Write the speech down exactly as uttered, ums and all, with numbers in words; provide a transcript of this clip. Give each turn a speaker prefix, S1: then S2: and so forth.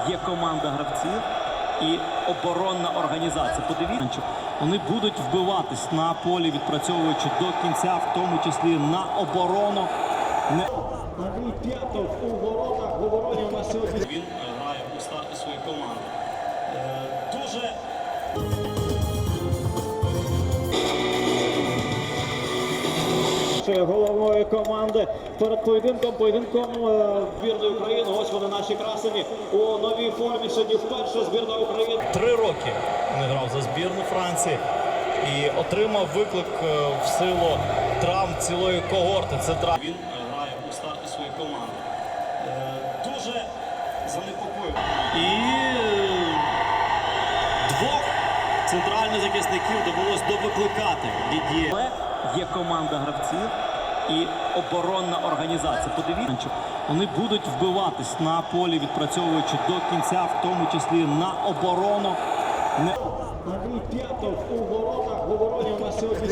S1: є команда гравців і оборонна організація. Подивіться, вони будуть вбиватись на полі, відпрацьовуючи до кінця, в тому числі на оборону. Не...
S2: Андрій П'ятов у воротах, в обороні у нас сьогодні.
S1: Він грає у старті своєї команди. Е, дуже...
S2: Головної команди перед поєдинком, поєдинком збірної України. Ось вони наші красені у новій формі. Сьогодні вперше збірна України.
S1: Три роки не грав за збірну Франції і отримав виклик в силу травм цілої когорти. Це травм. Він грає у старті своєї команди. Дуже занепокоєний. І двох центральних захисників довелось довикликати. Дід'є. Є команда гравців і оборонна організація. Подивіться, вони будуть вбиватись на полі, відпрацьовуючи до кінця, в тому числі на оборону. Не...
S2: Андрій П'ятов у воротах, в обороні у нас сьогодні.